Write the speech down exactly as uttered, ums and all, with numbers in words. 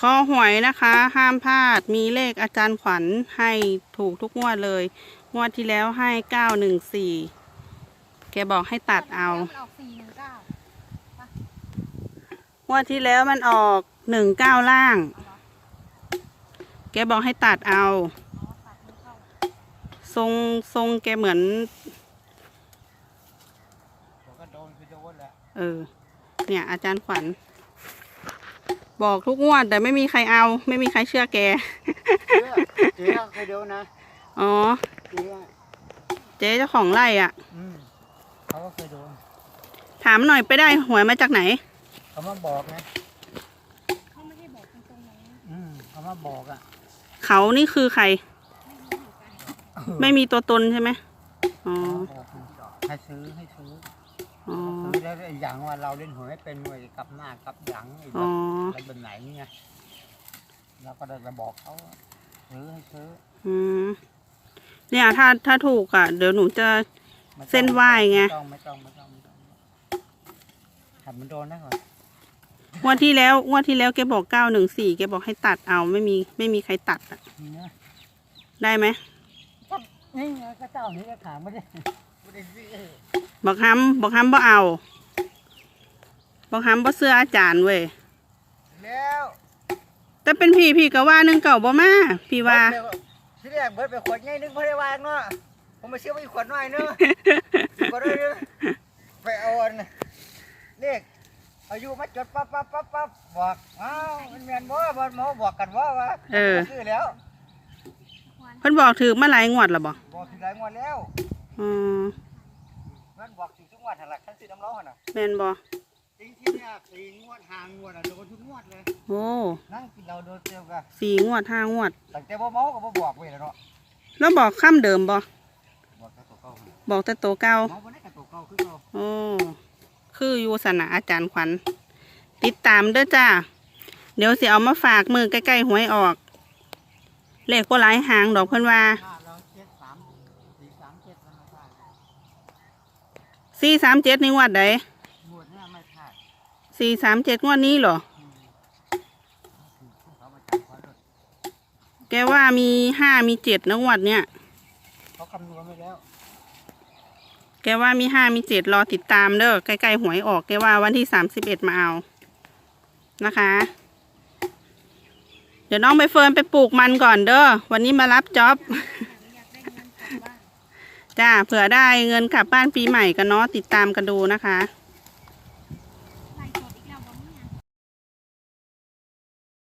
คอหวยนะคะห้ามพลาดมีเลขอาจารย์ขวัญให้ถูกทุกงวดเลยงวดที่แล้วให้เก้าหนึ่งสี่แกบอกให้ตัดเอางวดที่แล้วมันออกหนึ่งเก้าล่างแกบอกให้ตัดเอาทรงทรงแกเหมือนเออเนี่ยอาจารย์ขวัญบอกทุกงวดแต่ไม่มีใครเอาไม่มีใครเชื่อแกเจ๊เคยดูนะอ๋อเจ๊เจ้าของไร่อ่ะเขาก็เคยดูถามหน่อยไปได้หวยมาจากไหนเขามาบอกนะเขาไม่ได้บอกตรงๆนะอืมเขามาบอกอ่ะเขานี่คือใครไม่มีตัวตนใช่ไหมอ๋อให้ซื้อให้ซื้อซื้อแล้วอย่างว่าเราเล่นหวยเป็นหวยกับหน้ากับหลังอะไรแบบไหนเนี่ยเราก็ได้จะบอกเขาซื้อให้ซื้ออืมเนี่ยถ้าถ้าถูกอ่ะเดี๋ยวหนูจะเส้นไหว้ไงไม่ต้องไม่ต้องไม่ต้องไม่ต้องหัดมันโดนนะก่อนงวดที่แล้วงวดที่แล้วแกบอกเก้าหนึ่งสี่แกบอกให้ตัดเอาไม่มีไม่มีใครตัดอ่ะได้ไหมนี่ไงก็เจ้านี้ก็ถามไม่ได้บอกฮัมบอกฮัมบ่เอาบอกฮัมบ่เสื้ออาจารย์เว้ยแล้วแต่เป็นพี่พี่ก็ว่าหนึ่งเก่าบ่มาพี่ว่าที่แรกเบิร์ดไปขวดใหญ่นึงพอได้วางเนาะผมมาเชื่อว่าอีกขวดน้อยเนาะขวดน้อยเนาะไปเอาอันเลขอายุมาจดปั๊บปั๊บปั๊บปั๊บบอกอ้าวมันแมนบ่บ่หมอบอกกันว่าว่าเออซื้อแล้วเพิ่นบอกถือมาหลายงวดแล้วบ่บอกถือหลายงวดแล้วอืมมันบอกถือทุกงวดหันหลักขั้นสีน้ำร้อนน่ะแม่นบ่จริงที่เนี่ยสี่งวดห้างวดอ่ะโดนทุกงวดเลยโอ้นั่งกินเราโดนเตียวกันสี่งวดห้างวดแต่เจ้าบ่เมาก็บ่บอกไว้แล้วเนาะแล้วบอกคำเดิมบ่บอกแต่ตัวเก่าบอกแต่ตัวเก่าเมาบ่ได้แต่ตัวเก่าคือเก่าโอ้คืออยู่สนะอาจารย์ขวัญติดตามเด้อจ้าเดี๋ยวสิเอามาฝากมือใกล้ๆหวยออกเลขก็หลายหางดอกเพิ่นว่าสี่สามเจ็ดในงวดใดสี่สามเจ็ดงวดนี้เหรอแกว่ามีห้ามีเจ็ดนะงวดเนี้ยเขาคำนวณไปแล้วแกว่ามีห้ามีเจ็ดรอติดตามเด้อใกล้ๆหวยออกแกว่าวันที่สามสิบเอ็ดมาเอานะคะเดี๋ยวน้องใบเฟิร์นไปปลูกมันก่อนเด้อวันนี้มารับจ็อบจ้าเผื่อได้เงินกลับบ้านปีใหม่กันเนาะติดตามกันดูนะคะ